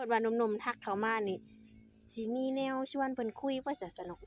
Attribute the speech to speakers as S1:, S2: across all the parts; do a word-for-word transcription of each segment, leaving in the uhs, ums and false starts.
S1: พิ่นว่าหนุ่มๆทักเข้ามานี่สิมีแนวชวนเพิ่นคุยบ่จะสนุก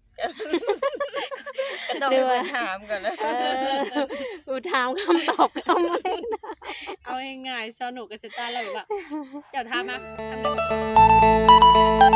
S2: ก็ต้อง
S1: หรื
S2: ให้
S1: อว่า
S2: เพิ่นถามก่อนนะ
S1: เอออูถามคำตอบคำแรกนะ
S3: เอาง่ายๆสนุกกับเซต้าแล้วแบบว่าเจ้าถามมาทำได้บ่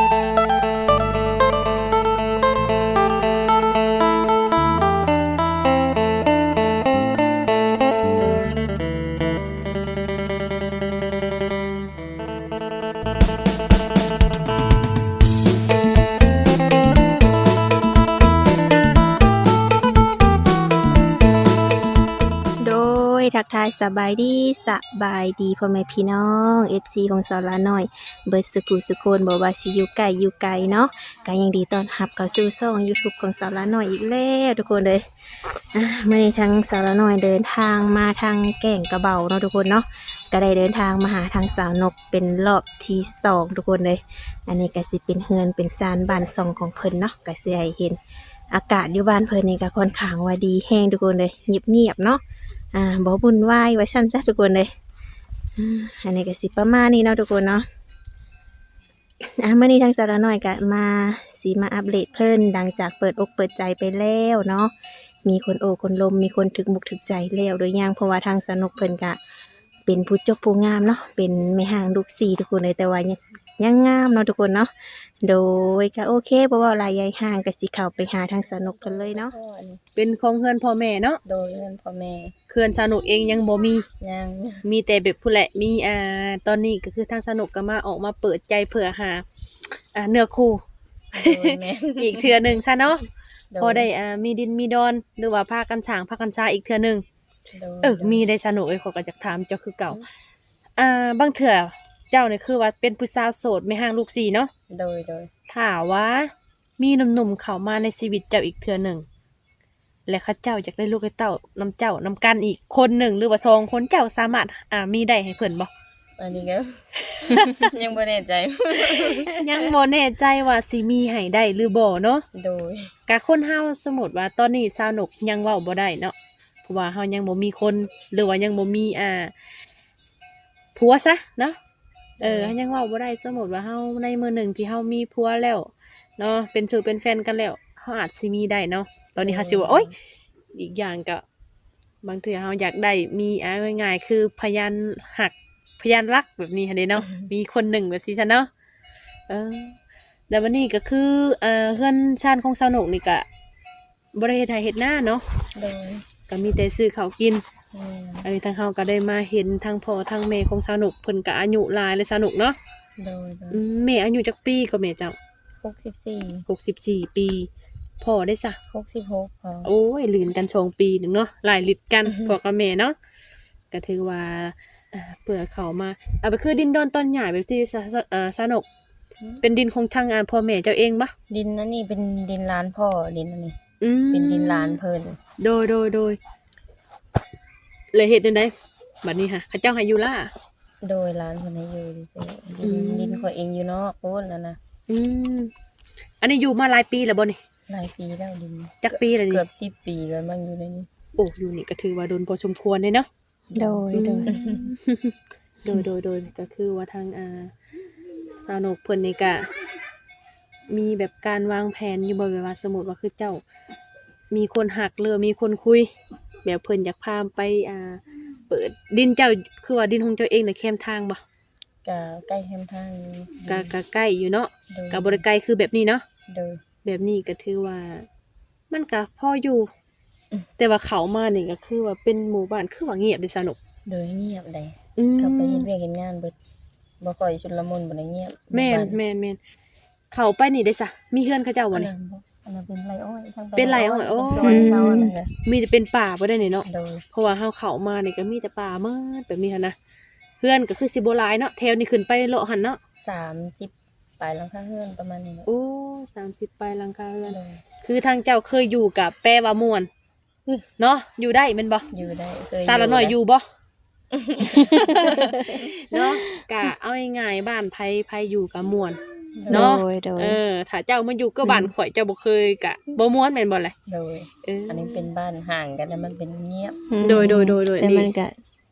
S1: โดยทักทายสบายดีสบายดีพ่อแม่พี่น้อง เอฟ ซี ของสาวลาน้อยเบิดสุขุสุคนบ่ว่าสิอยู่ไกลอยู่ไกลเนาะก็ยังดีต้อนรับเข้าสู่ช่อง YouTube ของสาวลาน้อยอีกแล้วทุกคนเลยอ่ะมื้อนี้ทางสาวลาน้อยเดินทางมาทางแก่งกระเบาเนาะทุกคนเนาะก็ได้เดินทางมาหาทางสาวนกเป็นรอบที่สองทุกคนเลย อันนี้ก็สิเป็นเฮือนเป็นซานบ้านซองของเพิ่นเนาะก็สิให้เห็นอากาศอยู่บ้านเพิ่นนี่ก็ค่อนข้างว่าดีแฮงทุกคนเลยเงียบๆเนาะ อ่าบ่บุญวายว่าซั่นซะทุกคนเลยอ่าอันนี้ก็สิประมาณนี้เนาะทุกคนเนาะอ่ะมื้อนี้ทางสาวน้อยก็มาสิมาอัปเดตเพิ่นหลังจากเปิดอกเปิดใจไปแล้วเนาะมีคนโอ้คนลมมีคนถึกมุกถึกใจแล้วหรือยังเพราะว่าทางสนุกเพิ่นก็เป็นผู้จบผู้งามเนาะเป็นแม่ห้างลูกสี่ทุกคนเลยแต่ว่ายังยังงามเนาะทุกคนเนาะโดยก็โอเคบ่เว้าหลายยายห่างก็สิเข้าไปหาทางสนุกเพิ่นเลยเนาะ
S2: พ่อนี่
S3: เป็นของเฮือนพ่อแม่เนาะ
S2: โดยเงินพ่อแม่
S3: เฮือนสนุกเองยังบ่มี
S2: ยัง
S3: มีแต่แบบผู้แหละมีอ่าตอนนี้ก็คือทางสนุกก็มาออกมาเปิดใจเผื่อหาอ่าเนื้อคู่
S2: โดยแม่
S3: อีกเทื่อหนึงซะเนาะ
S2: โดย
S3: พอได้อ่ามีดินมีดอนหรือว่าพากันสร้างพากันซาอีกเทื่อหนึง
S2: โดย
S3: เออมีได้สนุกเอ้ยขอยก็อยากถามเจ้าคือเก่าอ่าบางเทื่อเจ้านี่คือว่าเป็นผู้สาวโสดไม่ห่างลูกสี่เนาะ
S2: โดยโดย
S3: ถามว่ามีหนุ่มๆเข้ามาในชีวิตเจ้าอีกเทื่อหนึ่งและเข้าเจ้าอยากได้ลูกได้เต้านำเจ้านำกันอีกคนหนึ่งหรือว่าสองคนเจ้าสามารถอ่ามีได้ให้เพิ่นบ่
S2: อันนี้ก็ ยังบ่แน่ใจ
S3: ยังบ่แน่ใจว่าสิมีให้ได้หรือบ่เนาะ
S2: โดย
S3: กะคนเฮาสมมุติว่าตอนนี้สาวนกยังเว้าบ่ได้เนาะเพราะว่าเฮายังบ่มีคนหรือว่ายังบ่มีอ่าผัวซะเนาะเออยังเว้าบ่ได้สมมุติว่าเฮาในมื้อหนึ่งที่เฮามีผัวแล้วเนาะเป็นสู่เป็นแฟนกันแล้วเฮาอาจสิมีได้เนาะตอนนี้เฮาสิว่าโอ๊ยอีกอย่างก็บางเทื่อเฮาอยากได้มีอ่าง่ายๆคือพยานหักพยานรักแบบนี้หั่นเด้เนาะมีคนหนึ่งแบบซี่ซะเนาะเออ แล้ววันนี้ก็คือเอ่อเฮือนชานของสาวหนกนี่ก็บ่ได้เฮ็ดไร่เฮ็ดนาเนาะ
S2: โดย
S3: ก็มีแต่ซื้อข้าวกิน
S2: แม่
S3: อันนี้ทางเฮาก็ได้มาเห็นทางพ่อทางแม่ของสาวหนกเพิ่นก็อายุหลายเลยสาวหนกเนาะ
S2: โดยโดย
S3: อืมแม่อายุจักปีก็แม่เจ้า
S2: หกสิบสี่
S3: หกสิบสี่ปีพ่อได้ซะ
S2: หกสิบหกพอ
S3: โอ้ยลืนกันสองปีหนึงเนาะหลายลิตรกันพ่อกับแม่เนาะก็ถือว่าอ่าเผื่อเขามาเอาไปคือดินดอนต้นใหญ่แบบที่สะเอ่อสาวหนกเป็นดินของทางอ่าพ่อแม่เจ้าเองบ่
S2: ดินนั่นนี่เป็นดินร้านพ่อดินอันนี้
S3: อืม
S2: เป็นดินร้านเพิ่น
S3: โดยโดยโดยเลยเฮ็ดจังได๋บัดนี้ค่ะเขาเจ้าให้อยู่ล่ะ
S2: โดยร้านเพิ่นให้อยู่ดิจ้ะ
S3: อื
S2: ดิน
S3: ม
S2: ดินเขาเองอยู่นอกโพ้นนั่นน่ะ
S3: อืมอันนี้อยู่มาหลายปีแล้วบ่นี่
S2: หลายปีแล้วดิน
S3: จักปีแล้วนี่
S2: เกือบสิบปีแล้วมันอยู่ในนี้
S3: โอ้อยู่นี่ก็ถือว่าโดนพอสมควรเลยเนาะ
S1: โดยโดย
S3: โดยโดยโดยก็คือว่าทางอ่าสาวนกเพิ่นนี่ก็มีแบบการวางแผนอยู่บ่แบบว่าสมมุติว่าคือเจ้า มีคนหักหรือมีคนคุย แบบเพิ่นอยากพาไปอ่า เปิดดินเจ้าคือว่าดินของเจ้าเองน่ะแคมทางบ่
S2: ก็ใกล้แคมป์ทางอยู่
S3: ก็ก็ใกล้อยู่เนาะ
S2: โดย
S3: ก็บ่ได้ไกลคือแบบนี้เนาะ
S2: โดย
S3: แบบนี้ก็ถือว่า มันก็พออยู่ แต่ว่าเขามานี่ก็คือว่าเป็นหมู่บ้านคือว่าเงียบเด้สนุก
S2: โดยเงียบได้
S3: อืม
S2: กลับไปเฮ็ดเวียกเฮ็ดงานเบิดบ่ค่อยชุลมุนบ่ได้เงียบ
S3: แม่น
S2: บ้า
S3: แม่นแม่นเขาไปนี่ได้ซะมีเฮือนเขาเจ้า
S2: อั
S3: บ่
S2: น
S3: นี่
S2: นั้นบ่อันนั้นเป็นไรอ้อยทาง
S3: เป็นไรอ้อยโอ้
S2: เป็นซอยเขาอันนั้นน่ะ
S3: มีแต่เป็นป่าบ่ได้นี่เนาะ
S2: โดย
S3: เพราะว่าเฮาเข้ามานี่ก็มีแต่ป่าเมิดแบบนี้หันนะเฮือนก็คือสิบ่หลายเนาะแถวนี้ขึ้นไปเลาะหันเนาะ
S2: สามสิบปลายหลังคาเฮือนประมาณนี้แหละ
S3: โอ้สามสิบปลายหลังคาเฮือน
S2: โดย
S3: คือทางเจ้าเคยอยู่กับแปลว่าม่วนเนาะอยู่ได้แม่นบ่
S2: อยู่ได้เคย
S3: ซาละน้อยอยู่บ่ เนาะกะเอาง่ายๆบ้านไผไผอยู่กับม่วน
S1: โด
S3: เนาะ
S1: ยโดย
S3: เออถ้าเจ้ามาอยู่ก็บ้านข่อยเจ้าบ่เคยกะบ่ม่วนแม่นบ่ล่ะ
S2: โดย
S3: เออ
S2: อันนี้เป็นบ้านห่างกันแล้วมันเป็นเงียบ
S3: โดยโดยโดยโดย
S1: แต่
S3: นี่
S1: มันก็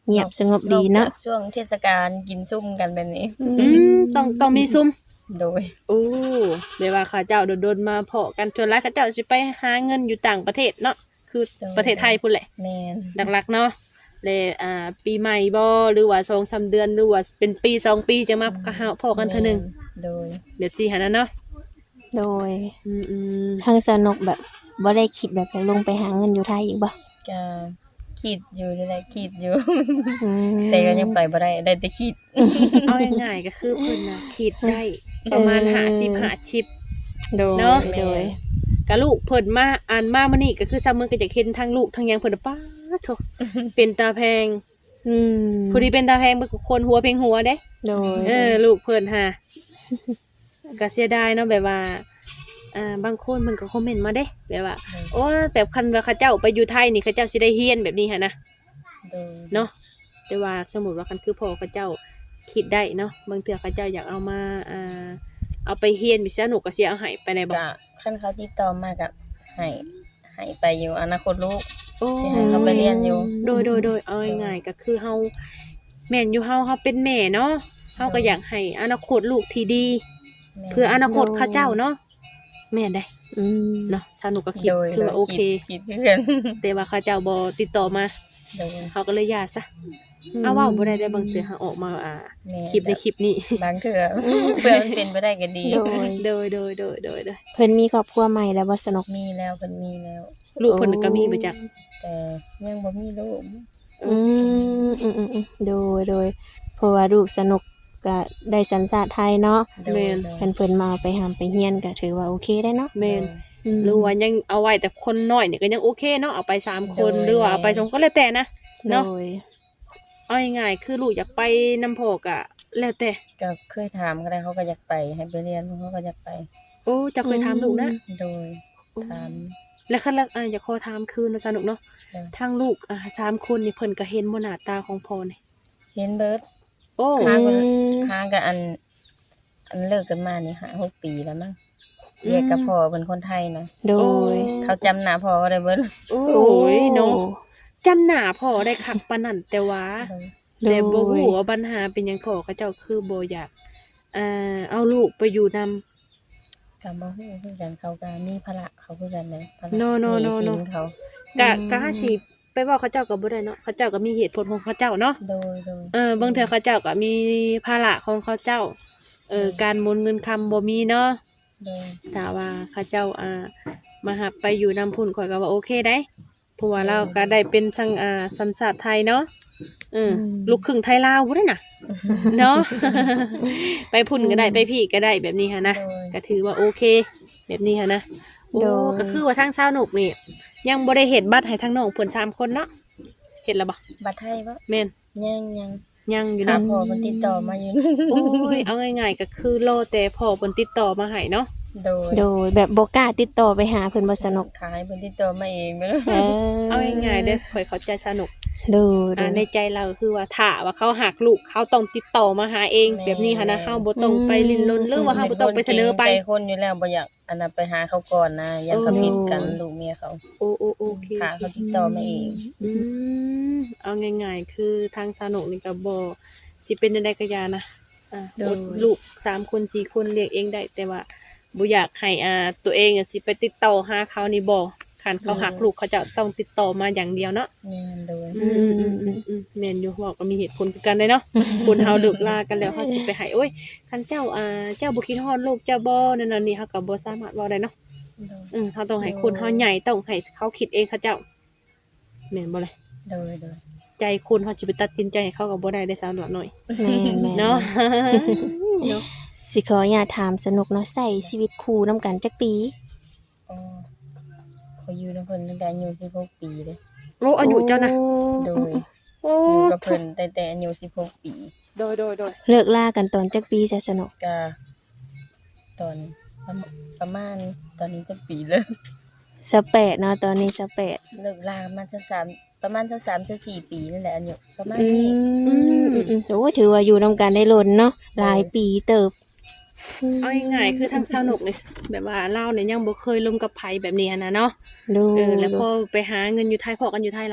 S1: เงียบสงบดีเนาะ
S2: อกจกช่วงเทศกาลกินซุ่มกันแบบนี้
S3: อืมต้องต้องมีซุ่ม
S2: โดย
S3: โอ้เดี๋ยวว่าข้าเจ้าโดนๆมาเพาะกันจนแล้วข้าเจ้าสิไปหาเงินอยู่ต่างประเทศเนาะคือประเทศไทยพุ่นแหละ
S2: แม่น
S3: หลักๆเนาะเลยอ่าปีใหม่บ่หรือว่าสองสามเดือนหรือว่าเป็นปีสองปีจะมาก็หาพอกันเทื่อหนึง
S2: โดย
S3: แบบสี่หันนะเนาะ
S1: โดย
S3: อืม
S1: ทางสนุกแบบบ่ได้คิดแบบอยากลงไปหาเงินอยู่ไทยอีกบ่
S2: ก็คิดอยู่นี่แหละคิดอยู่
S1: อืม
S2: แต่ก็ยังไปบ่ได้ได้แต่คิด
S3: ๆเอาง่ายๆก็คือเพิ่นน่ะคิดได้ประมาณห้าสิบ ห้าสิบ
S1: โดย
S3: เนาะ
S1: โดย
S3: ก็ลูกเพิ่นมาอ่านมามื้อนี้ก็คือซ้ำมื้อก็จะเห็นทั้งลูกทั้งหยังเพิ่นน่ะป๊าดโถเป็นตาแพง
S1: อืม
S3: ผู้ที่เป็นตาแพงเป็นคนหัวเพงหัวเด้
S1: โดย
S3: เออลูกเพิ่นฮะ ก็เสียดายเนาะแบบว่าอ่าบางคนมันก็คอมเมนต์มาเด้แบบว่าโอ้แบบคันว่าเขาเจ้าไปอยู่ไทยนี่เขาเจ้าสิได้เฮียนแบบนี้หั่นนะ
S2: โดย
S3: เนาะแต่ว่าสมมุติว่าคันคือพ่อเขาเจ้าคิดได้เนาะบางเทื่อเขาเจ้าอยากเอามาอ่าเอาไปเฮียนมีสนุกก็สิเอาให้ไปได้บ่
S2: ก็คันเขาติดต่อมาก็ให้ให้ไปอยู่อนาคตลูก
S3: โอ้
S2: สิให้เขาไปเรียนอยู่
S3: โดยโดยโดยเอาง่ายๆก็คือเฮาแม่นอยู่เฮาเฮาเป็นแม่เนาะเฮาก็อยากให้อนาคตลูกที่ดี
S2: แม่
S3: เพื่ออนาคตเขาเจ้าเนาะแม่นได้
S1: อืม
S3: เนาะสนุกก็คิด
S2: โดย
S3: คือว่าโอเค
S2: คิดคิดคือกัน
S3: แต่ว่าเขาเจ้าบ่ติดต่อมา
S2: โดย
S3: เขาก็เลยหย่าซะเอาเว้าบ่ได้ได้บางเทื่อหาออกมาอ่า
S2: แม่
S3: คลิปในคลิปนี้
S2: บางเทื่อเพื่อมันเป็นไปได้ก็ดี
S1: โดย
S3: โดยโดยโดยโดยโดย
S1: เพิ่นมีครอบครัวใหม่แล้วบ่สนุก
S2: มีแล้วเพิ่นมีแล้ว
S3: ลูกเพิ่นก็มีไปจัก
S2: แต่ยังบ่มีลูก
S1: อืมอืมอืมอืมโดยโดยเพราะว่าลูกสนุกก็ได้สัญชาติไทยเนาะ
S2: โดยโดย
S1: เพิ่นเพิ่นมาเอาไปหามไปเฮียนก็ถือว่าโอเคได้เนาะ
S3: แม่น
S1: อืม
S3: หรือว่ายังเอาไว้แต่คนน้อยนี่ก็ยังโอเคเนาะเอาไปสามคน
S2: โดย
S3: หรือว่าเอาไปสองก็แล้วแต่นะ
S1: โด
S3: เนาะ
S1: ย
S3: เอาง่ายๆคือลูกอยากไปนำพ่อก็แล้วแต่
S2: ก็เคยถามก็ได้เขาก็อยากไปให้ไปเรียนเขาก็อยากไป
S3: โอ้เจะเคยถามลูกนะ
S2: โดยถาม
S3: แล้วคันละอ่าอยากขอถามคืนเนาะสนุกเนาะ
S2: ค่ะ
S3: ทางลูกอ่าสามคนนี่เพิ่นก็เห็นบ่หน้าตาของพ่อนี่
S2: เห็นเบิร์ด
S3: โอ้
S2: ห่างกัน
S1: อืม
S2: ห่างกันอัน อันเลิกกันมานี่ห้าหกปีแล้วมั้งเรียกกับพ่อเป็นคนไทยนะ
S1: โดย
S2: เขาจำหน้าพ่อก็ได้เบิร์ด
S3: โอ้ยเนาะจำหน้าพ่อได้คักปานนั้นแต่ว่า
S1: โดย
S3: แต่บ่ฮู้ว่าปัญหาเป็นหยังพ่อเขาเจ้าคือบ่อยากอ่าเอาลูกไปอยู่นำ
S2: กับบ่ฮู้คือกันเขาก็มีภาระเขาคือกันเลยภาระ
S3: No, no,
S2: ห
S3: no,
S2: สิ
S3: no
S2: เขา
S3: กะกะหาสิไปเว้าเขาเจ้าก็บ่ได้เนาะเขาเจ้าก็มีเหตุผลของเขาเจ้าเนาะ
S2: โดยโดย
S3: เออบางเทื่อเขาเจ้าก็มีภาระของเขาเจ้า เออการหมุนเงินคำบ่มีเนาะ
S2: โดย
S3: ถ้าว่าเขาเจ้าอ่ามาหับไปอยู่นำพุ่นข่อยก็ว่าโอเคได้เพราะว่าเราก็ได้เป็นสังอ่าสัญชาติไทยเนาะเออลูกครึ่งไทยลาวบ่ได้น่ะ เนาะ ไปพุ่นก็ได้ไปพี่ก็ได้แบบนี้ค่ะนะ
S2: โดย
S3: ก็ถือว่าโอเค แบบนี้ค่ะนะโอ้
S1: โดย
S3: ก็คือว่าทางสาวหนุกนี่ยังบ่ได้เห็นบัตรให้ทางน้องเพิ่นสามคนเนาะเห็นแล้วบ่
S2: บัตรไทยบ่
S3: แม่น
S2: ยังยัง
S3: ยังอยู่
S2: หา
S3: เนาะ
S2: พ่อมันติดต่อมาอยู่
S3: โอ้ยเอาง่ายๆก็คือรอแต่พ่อเพิ่นติดต่อมาให้เนาะ
S2: โดย
S1: โดยแบบบ่กล้าติดต่อไปหาเพิ่นบ่สนุก
S2: ขายเป็นติดต่อมาเองไปเลย
S1: เออ
S3: เอาง่ายๆเด้อข่อยเข้าใจสนุก
S1: โดยโด
S3: อ่าย ในใจเราคือว่าถ้าว่าเขาหักลูกเขาต้องติดต่อมาหาเองแบบนี้ค่ะนะเฮาบ่ต้องไปลิ้นรนหรือว่าเฮาบ่ต้องไปเสนอไป
S2: ใจคนอยู่แล้วบ่อยากอันนั้นไปหาเขาก่อนนะอยันเขาผิดกันลูกเมียเขา
S3: โอ้โอ้โอเค
S2: หาเขาติดต่อมาเอง
S3: อืมเอาง่ายๆ คือทางสนุกนี่ก็บ่สิเป็นใดๆก็อยานะอ่าอดลูกสามคนสี่คนเลี้ยงเองได้ แต่ว่าบ่อยากให้อ่าตัวเองอะสิไปติดต่อหาเขานี่บ่คันเขาหักลูกเขาจะต้องติดต่อมาอย่างเดียวเนาะ
S2: แม่นโดย
S3: อืมอืมอืมอืมแม่นอยู่เว้าก็มีเหตุผลคือกันได้เนาะ คนเฮาเลิกลากันแล้วเฮาสิไปให้โอ้ยคันเจ้าอ่าเจ้าบ่คิดฮอดลูกเจ้าบ่นั่นน่ะนี่เฮาก็บ่สามารถเว้าได้เนาะ
S2: โดย
S3: อืมเฮาต้องให้คนเฮาใหญ่ต้องให้เขาคิดเองเขาเจ้าแม่นบ่เลย
S2: โดยโดย
S3: ใจคนเขาจะไปตัดสินใจให้เขากับบ่ได้ได้สาวหน่อย
S1: แม่นแม่น
S3: เนาะ เนาะ
S1: สิขออยากถามสนุกเนาะใส่ชีวิตคู่นํกันจักปี
S2: อ๋อเขาอยู่นำเพิ่นตั้งแต่อายุสิบหกปีเลย
S3: โอ้อายุเจ้านะ
S2: โดย
S3: โอ้
S2: อยู่กับเพิ่นตั้งแต่อายุสิบหกปี
S3: โดยโดยโดย
S1: เลิกลากันตอนจักปีซะสนุก
S2: ก็ตอนประมาณประมาณตอนนี้จะปีแล้ว
S1: สะแปดเนาะตอนนี้สะแปด
S2: เลิกลามาจะสามประมาณจะสามจะสี่ปีนั่นแหละอายุประมาณ
S1: อื
S2: นี้
S1: มอืมอืมโอ้ถือว่าอยู่นํกันได้ล้นเนาะหลายปีเติบ
S3: เอาง่ายๆคือทางสนุกเนี่ยแบบว่าเราเนี่ยยังบ่เคยลงกับไผแบบนี้หั้นนะเนาะ
S1: ดู
S3: เออแล้วพอไปหาเงินอยู่ไทยพอกันอยู่ไทยแล้วอะ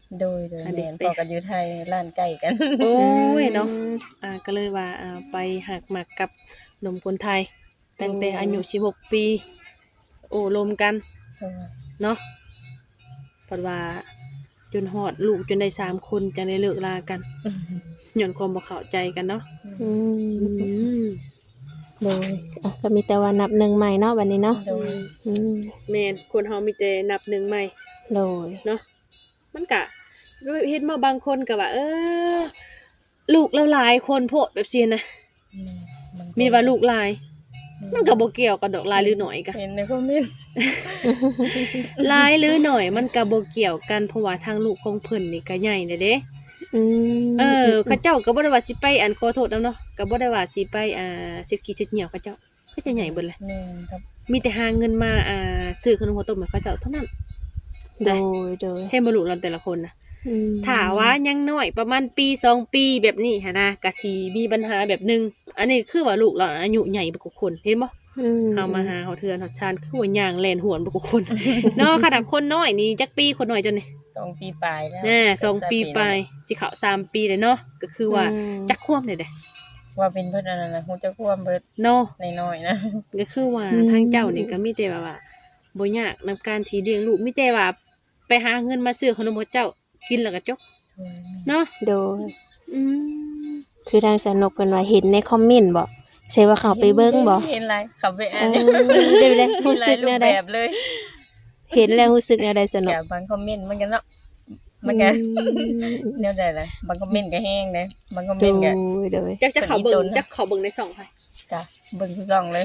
S2: โดยโดย
S3: อันเด็
S2: แม่
S3: ก
S2: น
S3: ไป
S2: พอกันอยู่ไทยร้านใกล้กัน
S3: โอ้ยเนาะอ่าก็เลยว่าอ่าไปหักหมักกับหนุ่มคนไทย ตั้งแต่อายุสิบหกปี โอ้รวมกัน
S2: โดย
S3: เนาะเพราะว่าจนฮอดลูกจนได้สามคนจังได้เลิกลากันย้อนความบ่เข้าใจกันเนาะ
S1: อืม
S3: อืม
S1: โดยอ่ะก็มีแต่ว่านับหนึ่งใหม่เนาะบัดนี้เนาะ
S2: โดย
S1: อืม
S3: แม่นคนเฮามีแต่นับหนึ่งใหม่
S1: โดย
S3: เนาะมันก็เห็นมาบางคนก็ว่า เออ ลูกเราหลายคนโพดแบบซี่นะ
S2: แม่น
S3: มีว่าลูกหลาย มันก็บ่เกี่ยวกับดอกหลายหรือน้อยกะ
S2: เห็นในคอมเมนต์
S3: หลายหรือน้อยมันก็บ่เกี่ยวกันเพราะว่าทางลูกของเพิ่นนี่ก็ใหญ่เด้เด้
S1: อืม
S3: เออเขาเจ้าก็บ่ได้ว่าสิไปอันขอโทษนำเนาะก็บ่ได้ว่าสิไปอ่าเฮ็ดขี้เฮ็ดเหี่ยวเขาเจ้าเขาจะใหญ่เบิดแหละ
S2: แม่นครับ
S3: มีแต่หาเงินมาอ่าซื้อขนมข้าวต้มให้เขาเจ้าเท่านั้น
S1: โดยโดย
S3: ให้บ่รู้เราแต่ละคนนะ
S1: อืม
S3: ถ้าว่ายังน้อยประมาณปีสองปีแบบนี้หันนะก็สิมีปัญหาแบบหนึงอันนี้คือว่าลูกเราอายุใหญ่บ่กว่าคนเห็นบ่
S1: อืม
S3: เฮามาหาเฮาเทือนเฮาชานคือว่าย่างแล่นหวนบ่กว่าคน เนาะขนาดคนน้อยนี่จักปีคนน้อยจนนี่
S2: สองปีปลายแล้ว
S3: แน่สองปีไปสิเข้าสามปีเลยเนาะก็คือว่า
S1: อืม
S3: จักควบเลยเด้
S2: ว่าเป็นเพิ่นอันนั้นน่ะฮู้จักความเบิด
S3: เนาะ
S2: น้อยๆนะ
S3: ก็คือว่า
S1: อืม
S3: ทางเจ้านี่ก็มีแต่ว่าว่าบ่ยากนำการที่เลี้ยงลูกมีแต่ว่าไปหาเงินมาซื้อขนมให้เจ้ากินแล้วก็จบเนาะ
S1: โดย
S3: อืม
S1: คือทางสนุกเพิ่นว่าเห็นในคอมเมนต์บ่ใช่ว่าเขาไปเบิ่งบ่
S2: เห็นหลายเข้าไป
S1: เอ
S2: อ่าน
S1: อเดี๋ยวเลยรู้สึก
S2: แน
S1: แน
S2: ว
S1: วใด
S2: แบบเลย
S1: เห็นแล้วรู้สึกแนวใดสนุก
S2: แกบางคอมเมนต์มันก็เนาะมันก็ แนวใดล่ะบางคอมเมนต์ก็แห้งนะบางคอม
S1: โด
S2: เมน
S1: ย
S2: ต์ก็
S1: โดย
S3: จักจะเข้าเบิ่
S2: เป็นอีต
S3: ง
S2: นนะ
S3: จักเข้าเบิ่งในช่องไผ
S2: จ้ะเบิ่งทุกช่องเลย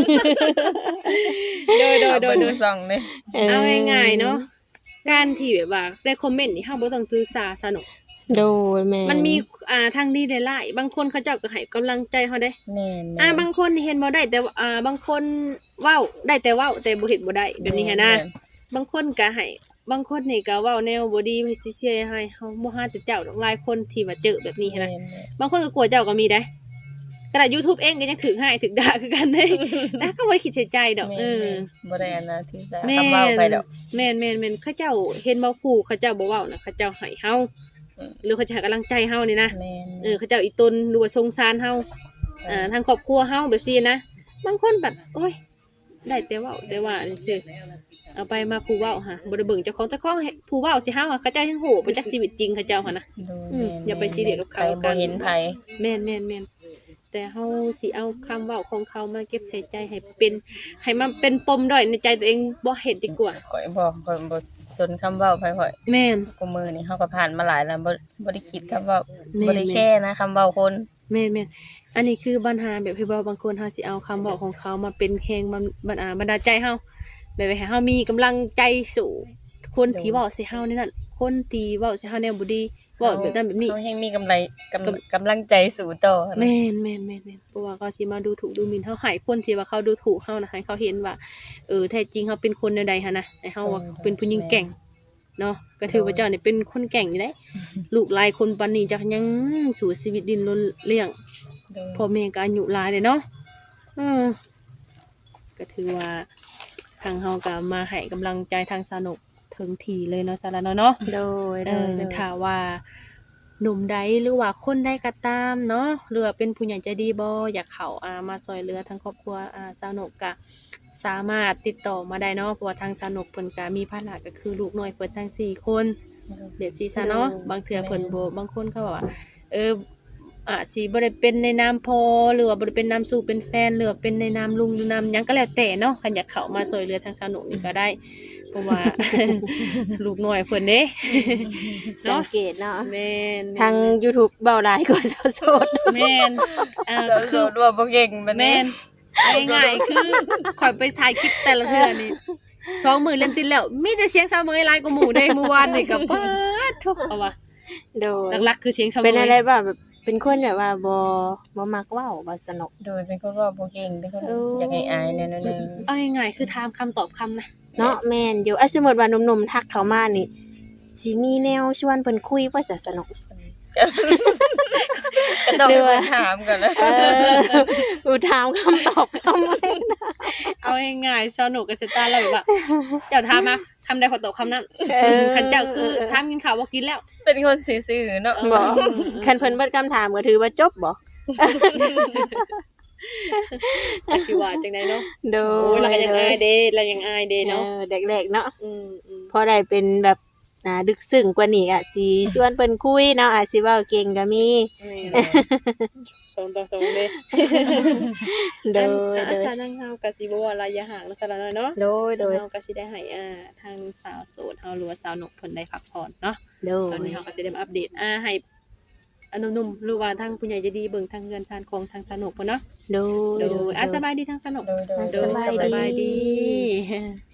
S3: โดยโดยโดย
S2: เบิ่ง
S3: โด
S2: ทุ
S3: ย
S2: กช่องเลย
S3: เอาง่ายๆเนาะการที่แบบว่าในคอมเมนต์นี่เฮาบ่ต้องถือสาสนุก
S1: โดยแม่
S3: มันมีอ่าทางดีได้หลายบางคนเขาเจ้าก็ให้กำลังใจเฮาได้
S2: แม่น
S3: อ่าบางคนเห็นบ่ได้แต่ว่าอ่าบางคนเว้าได้แต่เว้าแต่บ่เฮ็ดบ่ได้แบบนี้หันนะบางคนก็ให้บางคนนี่ก็เว้าแนวบ่ดีเฮ็ดเสียๆให้เฮาบ่หาแต่เจ้าดอกหลายคนที่ว่าเจอแบบนี้หันนะ
S2: แม่น
S3: บางคนก็กลัวเจ้าก็มีได้ขนาด YouTube เองก็ยังถึกให้ถึกด่าคือกันเด้ แต่ก็บ่ได้คิดเสียใจดอก
S2: แม่น
S3: เออ
S2: บ่ได้อันนะที่จะ
S3: แม่
S2: คำเว้าไปดอก
S3: แม่นแม่นแม่นเขาเจ้าเห็นบ่ผู้เขาเจ้าบ่เว้านะเขาเจ้าให้เฮา
S2: อืม
S3: หรือเขาจะให้กำลังใจเฮานี่นะ
S2: แม่น
S3: เออเขาเจ้าอีตนหรือว่าสงสารเฮาอ่าทางครอบครัวเฮาแบบซี่นะบางคนแบบโอ้ยได้แต่เว้าแต่ว่าอันซื่อเอาไปมาผู้เว้าฮะบ่ได้เบิ่งเจ้าของเจ้าของให้ผู้เว้าสิเฮาอะเขาเจ้ายังโหไปจากชีวิตจริงเขาเจ้าหั่นนะ
S2: โดย
S3: อืม
S2: แม่น
S3: อย่าไปซีเรียสกับเขา
S2: ใครบ่เห็นไผ
S3: แม่นแม่นแม่นแต่เฮาสิเอาคำเว้าของเขามาเก็บใส่ใจให้เป็นให้มันเป็นปมด้อยในใจตัวเองบ่เฮ็ดดีกว่า
S2: ข่อยบอกข่อยบ่สนคำเว้าไผข่อย
S3: แม่น
S2: กูมือนี่เฮาก็ผ่านมาหลายแล้วบ่บ่ได้คิดคำเว้า
S3: แม่น
S2: บ่ได้แค่นะคำเว้าคน
S3: แม่นแม่นอันนี้คือปัญหาแบบที่ว่าบางคนเฮาสิเอาคำบอกของเขามาเป็นแรงบันบันอ่าบันดาลใจเฮาแบบให้เฮามีกำลังใจสู่คนที่เว้าใส่เฮานี่นั่นคนที่เว้าใส่เฮาแนวบ่ดีเว้าแบบนั้นแบบนี้
S2: เฮาแฮงมีกำไรกำกำลังใจสู่ต่อนะ
S3: แม่นแม่นแม่นแม่นเพราะว่าเขาสิมาดูถูกดูหมิ่นเฮาให้คนที่ว่าเขาดูถูกเฮานะให้เขาเห็นว่าเออแท้จริงเฮาเป็นคนแนวใดหั่นนะให้เฮาว่าเป็นผู้หญิงแกร่งเนาะก็ถือว่าเจ้านี่เป็นคนแกร่งอยู่เด้ลูกหลายคนปานนี้จักยังสู่ชีวิตดินรนเลี้ยง
S2: โดย
S3: พ่อแม่ก็อายุหลายเลยเนาะอืมก็ถือว่าทางเฮาก็มาให้กำลังใจทางสนุกถึงทีเลยเนาะสาระเนาะเนาะ
S1: โดย
S3: เอ
S1: โดย
S3: อ
S1: โดย
S3: ถ้าว่าหนุ่มใดหรือว่าคนใดก็ตามเนาะหรือว่าเป็นผู้ใหญ่ใจดีบ่อยากเข้าอ่ามาซอยเหลือทางครอบครัวอ่าสนุกก็สามารถติดต่อมาได้เนาะเพราะว่าทางสนุกเพิ่นก็มีภาระก็คือลูกน้อยเพิ่นทั้งสี่คนเบียดซีซะเนาะบางเทื่อเพิ่นบ่บางคนเขาบอกว่า เอออาจสิบ่ได้เป็นในนามพอหรือว่าบ่ได้เป็นนามสู่เป็นแฟนหรือว่าเป็นในนามลุงหรือนามหยังก็แล้วแต่เนาะคันอยากเข้ามาช่วยเหลือทางสนุกนี่ก็ได้ เพราะว่า ลูกน้อยเพิ่นเด้
S1: สังเกตเนาะ
S3: แม่น
S1: ทาง YouTube เบาหลายกว่าสาวโสด
S3: แม่นอ่า
S2: ก็
S3: ก็
S2: คื
S3: คือ อ
S2: ว่าบ่เก่งบัดนี้
S3: แม่นง่ายๆคือข่อยไปถ่ายคลิปแต่ละเทื่อนี่สองมื้อเล่นติดแล้วมีแต่เสียงสาวเมยหลายกว่าหมู่เด้เมื่อวานนี่ก็ปาดทุกเอาว่ะ
S1: โดย
S3: หลักๆคือเสียงสาวเมย
S1: เป็นอะไรบ้างแบบเป็นคนแบบว่าบ่บ่มักเว้าบ่สนุก
S2: โดยเป็นคนเว่าบ่เก่งเป็นคน
S1: เออ
S2: อ
S1: อ
S2: ยากให้อายแนวนึง
S3: เอาง่ายๆคือถามคำตอบคำนะ
S1: เนาะแม่นอยู่อ่ะสมมุติว่าหนุ่มๆทักเข้ามานี่สิมีแนวชวนเพิ่นคุยว่าจะสนุก
S2: ก็ต้อง
S1: หรือว่า
S2: ถามก่อนนะ
S1: เอออูถามคำตอบคำไม่นะ
S3: เอาง่ายๆชาวหนูกับเซต้าแล้วแบบว่าเจ้าถามมาคำใดขอตอบคำนั้น
S1: เออ
S3: คันเจ้าคือถามกินข้าวบ่กินแล้ว
S2: เป็นคนซื่อๆเนาะ
S1: บ่คันเพิ่นเบิดคำถามก็ถือว่าจบบ่
S3: แต่สิว่าจังไดเนาะ
S1: โด
S3: โอ้ย
S1: ย
S3: เราก็ยังอายเด้เรายังอายเด้
S1: เนาะ
S3: เนาะ
S1: แรกๆเนาะ
S3: อืมอืม
S1: พอได้เป็นแบบอ่าดึกซึ้งกว่านี้อ่ะสิชวนเพิ่นคุยเนาะอาจสิเว้าเก่งก็มี
S3: สองต่อสองเด้
S1: โดย
S3: อัน
S1: โด
S3: อาย ชานั่งเฮาก็สิบ่ว่าระยะห่างลักษณะนั้นเนาะ
S1: โดยโดย
S3: เฮาก็สิได้ให้อ่าทางสาวโสดเฮาหรือว่าสาวหนกเพิ่นได้พักผ่อนเนาะ
S1: โด
S3: ตอย นนี้เฮาก็สิได้มาอัปเดตอ่าให้อันหนุ่มๆหรือว่าทางผู้ใหญ่ใจดีเบิ่งทางเรือนชานของทางสนุกเพิ่นเนาะ
S1: โดย
S3: โดยอ่ะสบายดีทางสนุก
S2: โดยโดย
S3: โดย
S1: สบายดี
S3: สบายดี